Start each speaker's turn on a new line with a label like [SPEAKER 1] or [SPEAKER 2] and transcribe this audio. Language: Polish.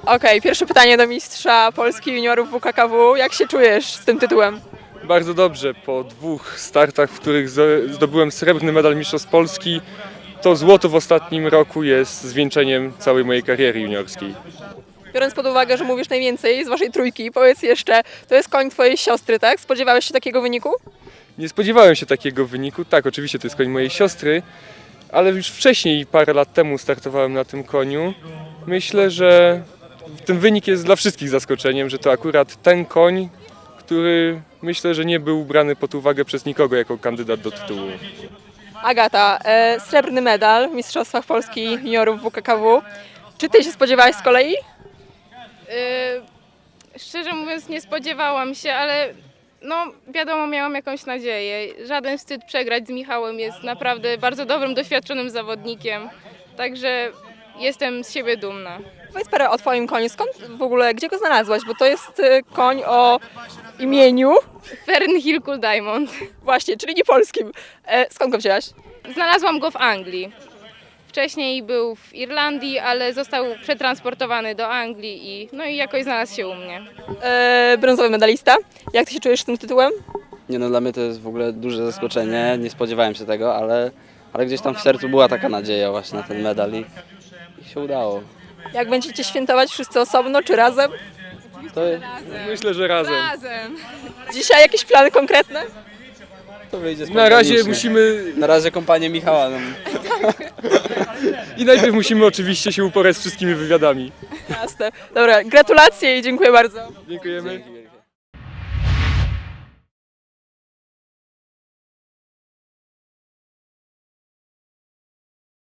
[SPEAKER 1] Okej, pierwsze pytanie do mistrza Polski juniorów WKKW. Jak się czujesz z tym tytułem?
[SPEAKER 2] Bardzo dobrze. Po 2 startach, w których zdobyłem srebrny medal Mistrzostw Polski, to złoto w ostatnim roku jest zwieńczeniem całej mojej kariery juniorskiej.
[SPEAKER 1] Biorąc pod uwagę, że mówisz najwięcej z waszej trójki, powiedz jeszcze, to jest koń twojej siostry, tak? Spodziewałeś się takiego wyniku?
[SPEAKER 2] Nie spodziewałem się takiego wyniku. Tak, oczywiście to jest koń mojej siostry, ale już wcześniej, parę lat temu startowałem na tym koniu. Myślę, że ten wynik jest dla wszystkich zaskoczeniem, że to akurat ten koń, który myślę, że nie był brany pod uwagę przez nikogo jako kandydat do tytułu.
[SPEAKER 1] Agata, srebrny medal w Mistrzostwach Polski juniorów WKKW. Czy ty się spodziewałeś z kolei?
[SPEAKER 3] Szczerze mówiąc nie spodziewałam się, ale no wiadomo, miałam jakąś nadzieję. Żaden wstyd przegrać z Michałem, jest naprawdę bardzo dobrym, doświadczonym zawodnikiem. Także jestem z siebie dumna.
[SPEAKER 1] Powiedz parę o twoim koniu. Skąd w ogóle, gdzie go znalazłaś? Bo to jest koń o imieniu,
[SPEAKER 3] Fernhill Cool Diamond.
[SPEAKER 1] właśnie, czyli nie polskim. Skąd go wzięłaś?
[SPEAKER 3] Znalazłam go w Anglii. Wcześniej był w Irlandii, ale został przetransportowany do Anglii i jakoś znalazł się u mnie.
[SPEAKER 1] Brązowy medalista. Jak ty się czujesz z tym tytułem?
[SPEAKER 4] Nie no, dla mnie to jest w ogóle duże zaskoczenie, nie spodziewałem się tego, ale gdzieś tam w sercu była taka nadzieja właśnie na ten medal i się udało.
[SPEAKER 1] Jak będziecie świętować wszyscy osobno czy razem?
[SPEAKER 4] To,
[SPEAKER 2] Myślę, że razem.
[SPEAKER 1] Dzisiaj jakieś plany konkretne?
[SPEAKER 4] to wyjdzie
[SPEAKER 2] Na razie
[SPEAKER 4] spontanicznie.
[SPEAKER 2] musimy
[SPEAKER 4] Na razie kompanię Michała. No.
[SPEAKER 2] i najpierw musimy oczywiście się uporać z wszystkimi wywiadami.
[SPEAKER 1] Jasne. Dobra, gratulacje i dziękuję bardzo.
[SPEAKER 2] Dziękujemy.